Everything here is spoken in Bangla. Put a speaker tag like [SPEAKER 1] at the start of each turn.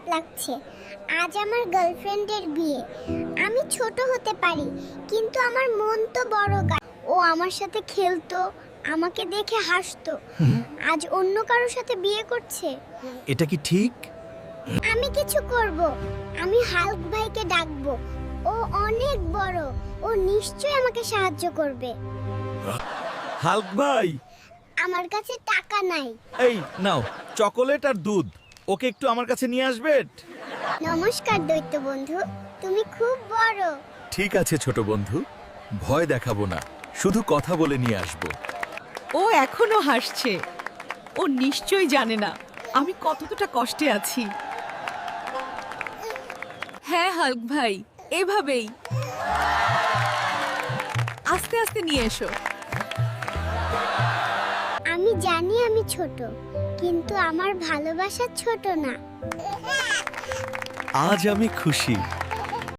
[SPEAKER 1] লাগছে। আজ আমার গার্লফ্রেন্ডের বিয়ে। আমি ছোট হতে পারি, কিন্তু আমার মন তো বড়। ও আমার সাথে খেলতো, আমাকে দেখে হাসতো। আজ অন্য কারোর সাথে বিয়ে করছে।
[SPEAKER 2] এটা কি ঠিক?
[SPEAKER 1] আমি কিছু করব। আমি হাল্ক ভাইকে ডাকবো। ও অনেক বড়, ও নিশ্চয়ই আমাকে সাহায্য করবে।
[SPEAKER 2] হাল্ক ভাই,
[SPEAKER 1] আমার কাছে টাকা নাই।
[SPEAKER 2] এই নাও চকোলেট আর দুধ। ওকে একটু আমার কাছে নিয়ে আসবেন?
[SPEAKER 1] নমস্কার দৈত্য বন্ধু, তুমি খুব বড়।
[SPEAKER 2] ঠিক আছে ছোট বন্ধু, ভয় দেখাবো না, শুধু কথা বলে নিয়ে আসবো।
[SPEAKER 3] ও এখনো হাসছে। ও নিশ্চয়ই জানে না আমি কতটা কষ্টে আছি। হ্যাঁ হাল্ক ভাই, এভাবেই আস্তে আস্তে নিয়ে এসো।
[SPEAKER 1] আমি জানি আমি ছোট, কিন্তু আমার ভালোবাসা ছোট না।
[SPEAKER 2] আজ আমি খুশি।